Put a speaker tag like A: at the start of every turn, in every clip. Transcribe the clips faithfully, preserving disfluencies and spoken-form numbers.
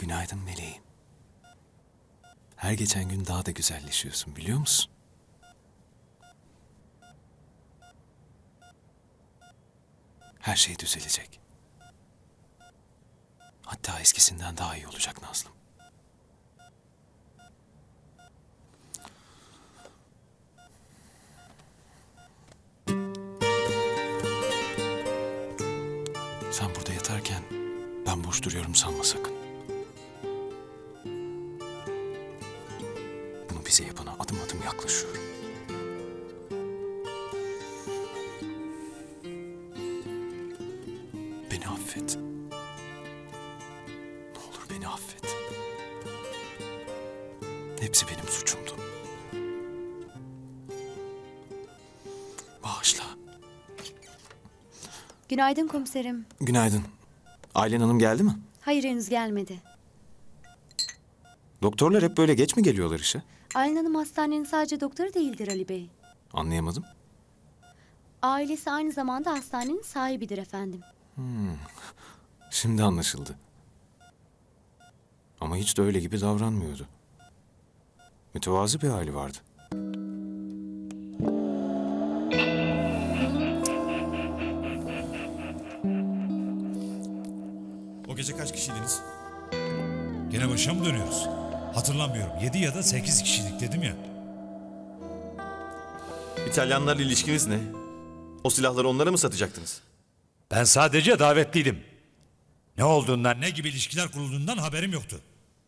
A: Günaydın meleğim. Her geçen gün daha da güzelleşiyorsun, biliyor musun? Her şey düzelecek. Hatta eskisinden daha iyi olacak Nazlım. Sen burada yatarken ben boş duruyorum sanma sakın. Bunu bize yapana adım adım yaklaşıyorum. Beni affet. Ne olur beni affet. Hepsi benim suçumdu. Bağışla.
B: Günaydın komiserim.
A: Günaydın. Aylen Hanım geldi mi?
B: Hayır, henüz gelmedi.
A: Doktorlar hep böyle geç mi geliyorlar işe?
B: Aylin Hanım hastanenin sadece doktoru değildir Ali Bey.
A: Anlayamadım.
B: Ailesi aynı zamanda hastanenin sahibidir efendim.
A: Şimdi anlaşıldı. Ama hiç de öyle gibi davranmıyordu. Mütevazı bir hali vardı.
C: O gece kaç kişiydiniz? Gene başa mı dönüyoruz? Hatırlamıyorum. Yedi ya da sekiz kişilik dedim ya.
D: İtalyanlarla ilişkiniz ne? O silahları onlara mı satacaktınız?
C: Ben sadece davetliydim. Ne olduğundan, ne gibi ilişkiler kurulduğundan haberim yoktu.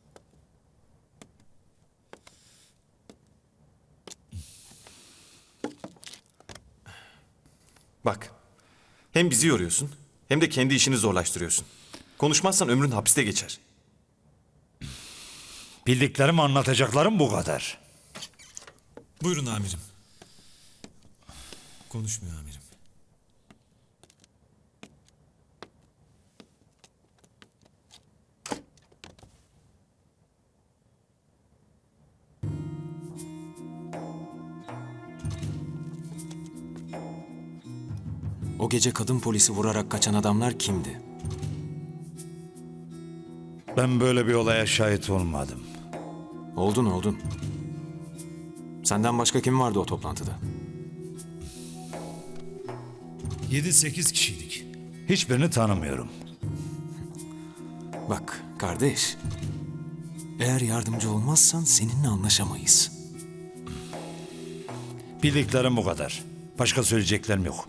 D: Bak, hem bizi yoruyorsun hem de kendi işini zorlaştırıyorsun. Konuşmazsan ömrün hapiste geçer.
C: Bildiklerim, anlatacaklarım bu kadar.
E: Buyurun amirim. Konuşmuyor amirim.
A: O gece kadın polisi vurarak kaçan adamlar kimdi?
C: Ben böyle bir olaya şahit olmadım.
A: Oldun oldun. Senden başka kim vardı o toplantıda?
C: Yedi sekiz kişiydik. Hiçbirini tanımıyorum.
A: Bak kardeş. Eğer yardımcı olmazsan seninle anlaşamayız.
C: Bildiklerim bu kadar. Başka söyleyeceklerim yok.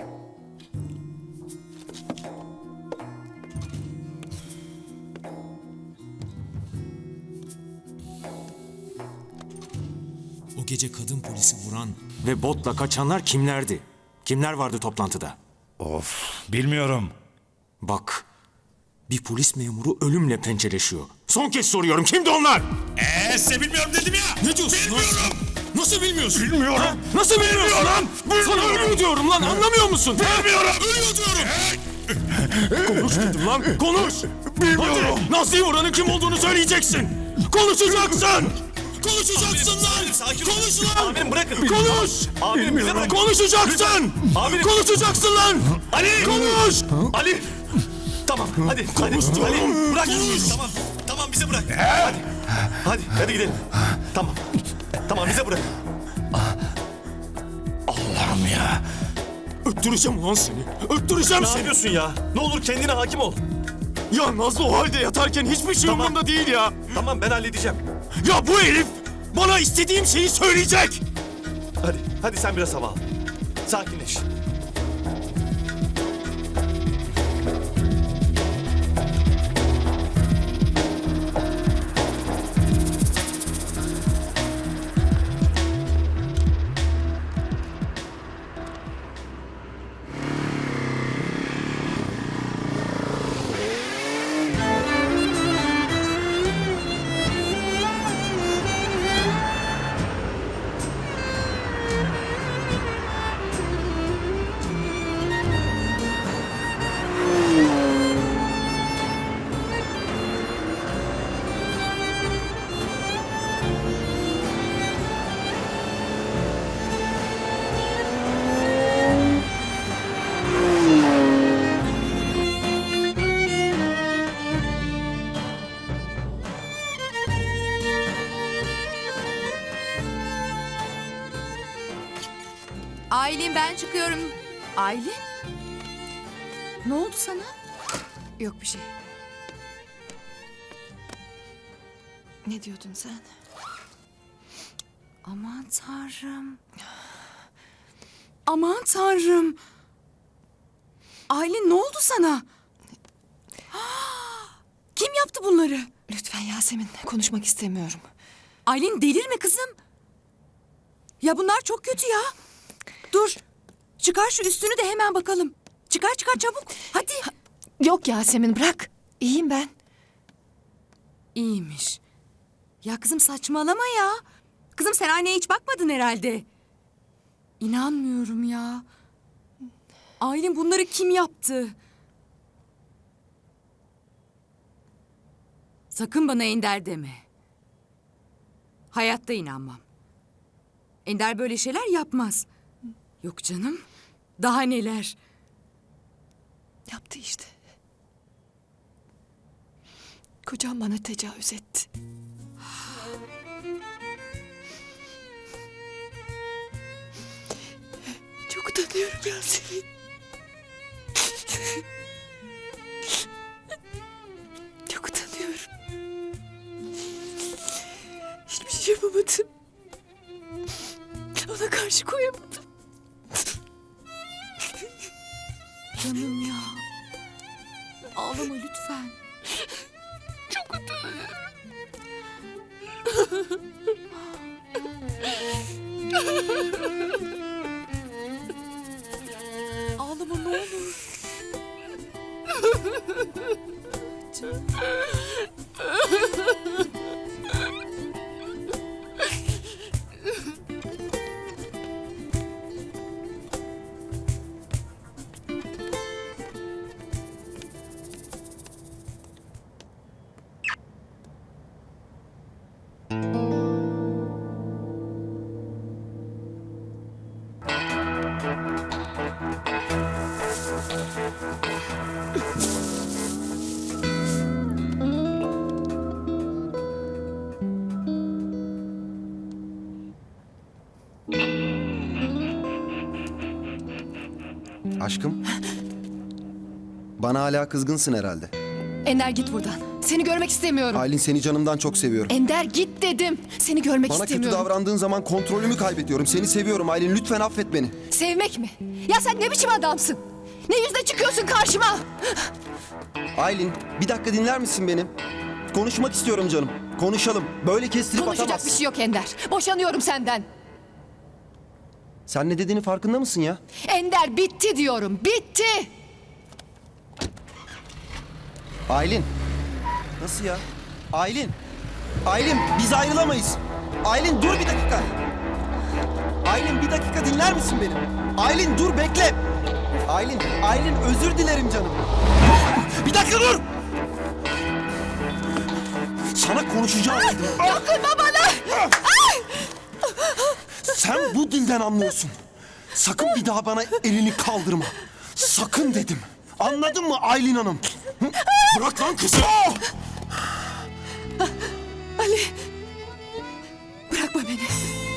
A: O gece kadın polisi vuran ve botla kaçanlar kimlerdi? Kimler vardı toplantıda?
C: Of, bilmiyorum.
A: Bak, bir polis memuru ölümle pençeleşiyor. Son kez soruyorum, kimdi onlar?
C: Eee size bilmiyorum dedim ya.
A: Ne diyorsun
C: Bilmiyorum.
A: lan? Nasıl bilmiyorsun?
C: Bilmiyorum.
A: Ha? Nasıl bilmiyorsun lan? Sana ölüyor diyorum lan, anlamıyor musun?
C: Bilmiyorum.
A: Ölüyor diyorum. Konuş dedim lan, konuş.
C: Bilmiyorum.
A: Hadi, Nazlı'yı vuranın kim olduğunu söyleyeceksin. Konuşacaksın. Konuşacaksın lan.
D: sakin ol.
A: Konuş lan.
D: Amirim bırakın.
A: Konuş.
D: Amirim bize bırakın.
A: Konuşacaksın.
D: Amirim.
A: Konuşacaksın lan.
D: Ali!
A: Konuş.
D: Ali! Tamam hadi.
A: Konuş
D: hadi.
A: diyorum.
D: Ali bırak.
A: Konuş.
D: Tamam. Tamam bize bırak. Hadi. Hadi hadi gidelim. Tamam. Tamam bize bırak.
C: Allah'ım ya.
A: Öttüreceğim lan seni. Öttüreceğim
D: Ne
A: seni.
D: yapıyorsun ya? Ne olur kendine hakim ol.
A: Ya Nazlı o halde yatarken hiçbir şey
D: Tamam.
A: umurumda değil ya.
D: Tamam ben halledeceğim.
A: Ya bu herif bana istediğim şeyi söyleyecek.
D: Hadi. Hadi sen biraz hava al. Sakinleş.
F: Aylin ben çıkıyorum. Aylin? Ne oldu sana? Yok bir şey. Ne diyordun sen? Aman tanrım. Aman tanrım. Aylin ne oldu sana? Kim yaptı bunları?
G: Lütfen Yasemin, konuşmak istemiyorum.
F: Aylin delirme kızım. Ya bunlar çok kötü ya. Dur. Çıkar şu üstünü de hemen bakalım. Çıkar çıkar çabuk. Hadi.
G: Yok Yasemin, bırak. İyiyim ben.
F: İyiymiş. Ya kızım saçmalama ya. Kızım sen aynaya hiç bakmadın herhalde. İnanmıyorum ya. Aylin bunları kim yaptı? Sakın bana Ender deme. Hayatta inanmam. Ender böyle şeyler yapmaz. Yok canım. Daha neler.
G: Yaptı işte. Kocam bana tecavüz etti. Çok utanıyorum Yasemin. Çok utanıyorum. Hiçbir şey yapamadım. Ona karşı koyamadım.
F: Canım ya. Ağlama lütfen.
G: Çok utanıyorum.
F: Ağlama ne olur.
H: Aşkım. Bana hala kızgınsın herhalde.
G: Ender git buradan. Seni görmek istemiyorum.
H: Aylin seni canımdan çok seviyorum.
G: Ender git dedim. Seni görmek
H: Bana kötü
G: istemiyorum.
H: davrandığın zaman kontrolümü kaybediyorum. Seni seviyorum Aylin. Lütfen affet beni.
G: Sevmek mi? Ya sen ne biçim adamsın? Ne yüzle çıkıyorsun karşıma?
H: Aylin bir dakika dinler misin beni? Konuşmak istiyorum canım. Konuşalım. Böyle kestirip
G: Konuşacak
H: atamazsın.
G: bir şey yok Ender. Boşanıyorum senden.
H: Sen ne dediğini farkında mısın ya?
G: Ender bitti diyorum. Bitti.
H: Aylin. Nasıl ya? Aylin. Aylin biz ayrılamayız. Aylin dur bir dakika. Aylin bir dakika dinler misin beni? Aylin dur bekle. Aylin, Aylin özür dilerim canım. Bir dakika dur. Sana konuşacağım dedim.
G: Dokunma bana.
H: Sen bu dilden anlıyorsun. Sakın bir daha bana elini kaldırma. Sakın dedim. Anladın mı Aylin Hanım? Hı? Bırak lan kızı.
G: Ali. Bırakma beni.